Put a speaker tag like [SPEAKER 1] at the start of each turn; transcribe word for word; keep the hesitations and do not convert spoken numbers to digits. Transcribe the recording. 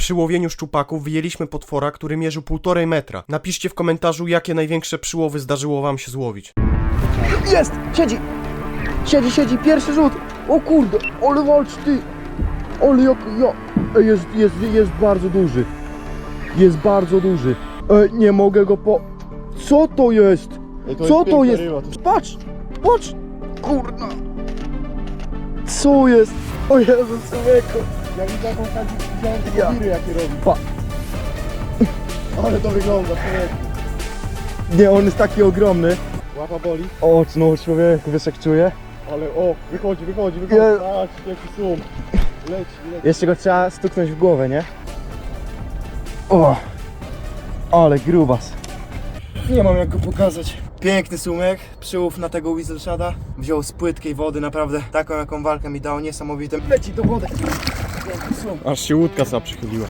[SPEAKER 1] Przy łowieniu szczupaków wyjęliśmy potwora, który mierzył półtorej metra. Napiszcie w komentarzu, jakie największe przyłowy zdarzyło wam się złowić.
[SPEAKER 2] Jest! Siedzi! Siedzi, siedzi, pierwszy rzut! O kurde, ale walcz ty! Ale jak ja... Ej, jest, jest, jest bardzo duży. Jest bardzo duży. Ej, nie mogę go po... Co to jest?
[SPEAKER 3] Ej, to
[SPEAKER 2] Co
[SPEAKER 3] jest
[SPEAKER 2] to
[SPEAKER 3] piękna
[SPEAKER 2] jest?
[SPEAKER 3] ryba, to-
[SPEAKER 2] Patrz! Patrz! Kurna! Co jest? O Jezu, człowieku!
[SPEAKER 3] Ja widzę jaką kadzi wziąłem te
[SPEAKER 2] Ja.
[SPEAKER 3] kowiry, jakie robi.
[SPEAKER 2] Pa.
[SPEAKER 3] Ale to wygląda, człowieku.
[SPEAKER 2] Nie, on jest taki ogromny.
[SPEAKER 3] Łapa boli,
[SPEAKER 2] O, no człowieku, wiesz jak czuję?
[SPEAKER 3] ale o, wychodzi, wychodzi, wychodzi.
[SPEAKER 2] Je-
[SPEAKER 3] Patrz, jaki sum. Leci, leci.
[SPEAKER 2] Jeszcze go trzeba stuknąć w głowę, nie? O! Ale grubas. Nie mam jak go pokazać. Piękny sumek, przyłów na tego Weaselshada. Wziął z płytkiej wody, naprawdę taką jaką walkę mi dał, niesamowitym. Leci do wody. Piękny sum.
[SPEAKER 1] Aż się łódka sama przychyliła.